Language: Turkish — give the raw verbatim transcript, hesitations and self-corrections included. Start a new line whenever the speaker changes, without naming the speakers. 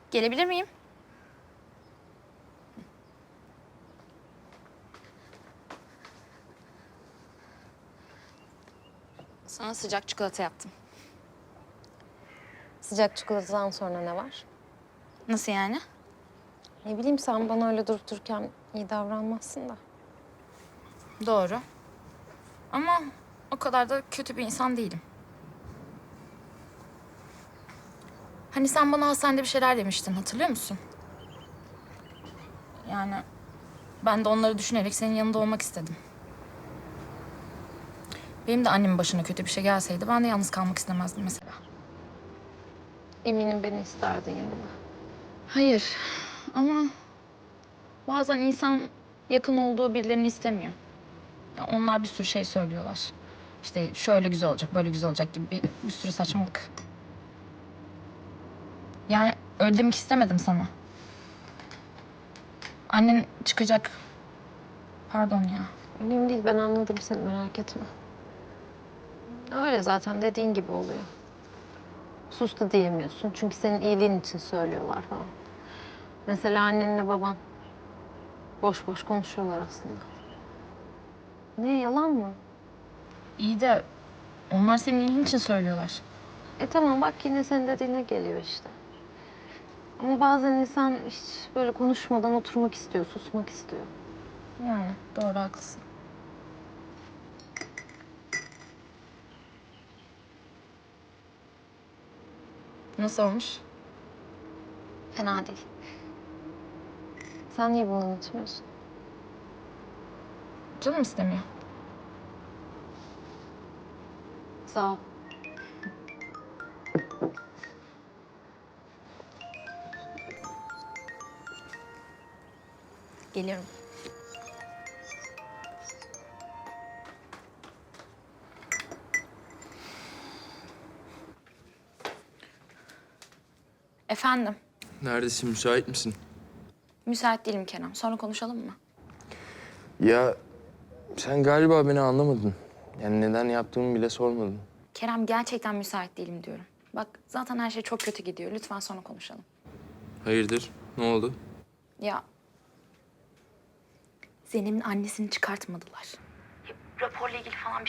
Gelebilir miyim? Sana sıcak çikolata yaptım.
Sıcak çikolatadan sonra ne var?
Nasıl yani?
Ne bileyim, sen bana öyle durup dururken iyi davranmazsın da.
Doğru. Ama o kadar da kötü bir insan değilim. Hani sen bana hastanede bir şeyler demiştin, hatırlıyor musun? Yani ben de onları düşünerek senin yanında olmak istedim. Benim de annemin başına kötü bir şey gelseydi ben de yalnız kalmak istemezdim mesela.
Eminim beni isterdin yanında.
Hayır ama bazen insan yakın olduğu birilerini istemiyor. Ya onlar bir sürü şey söylüyorlar. İşte şöyle güzel olacak, böyle güzel olacak gibi bir, bir sürü saçmalık. Yani öyle demek istemedim sana. Annen çıkacak. Pardon ya.
Önemli değil, ben anladım seni, merak etme. Öyle zaten, dediğin gibi oluyor. Sus da diyemiyorsun çünkü senin iyiliğin için söylüyorlar falan. Mesela annenle baban boş boş konuşuyorlar aslında. Ne, yalan mı?
İyi de onlar senin iyiliğin için söylüyorlar.
E tamam, bak yine senin dediğine geliyor işte. Ama bazen insan hiç böyle konuşmadan oturmak istiyor, susmak istiyor.
Yani doğru, haklısın. Nasıl olmuş?
Fena değil. Sen niye bunu anlatmıyorsun?
Canım istemiyor.
Sağ ol.
Geliyorum. Efendim,
Neredesin? Müsait misin?
müsait değilim Kerem. Sonra konuşalım mı?
Ya sen galiba beni anlamadın. Yani neden yaptığımı bile sormadın.
Kerem, gerçekten müsait değilim diyorum. Bak zaten her şey çok kötü gidiyor. Lütfen sonra konuşalım.
Hayırdır? Ne oldu?
Ya Zeynep'in annesini çıkartmadılar. Raporla ilgili falan bir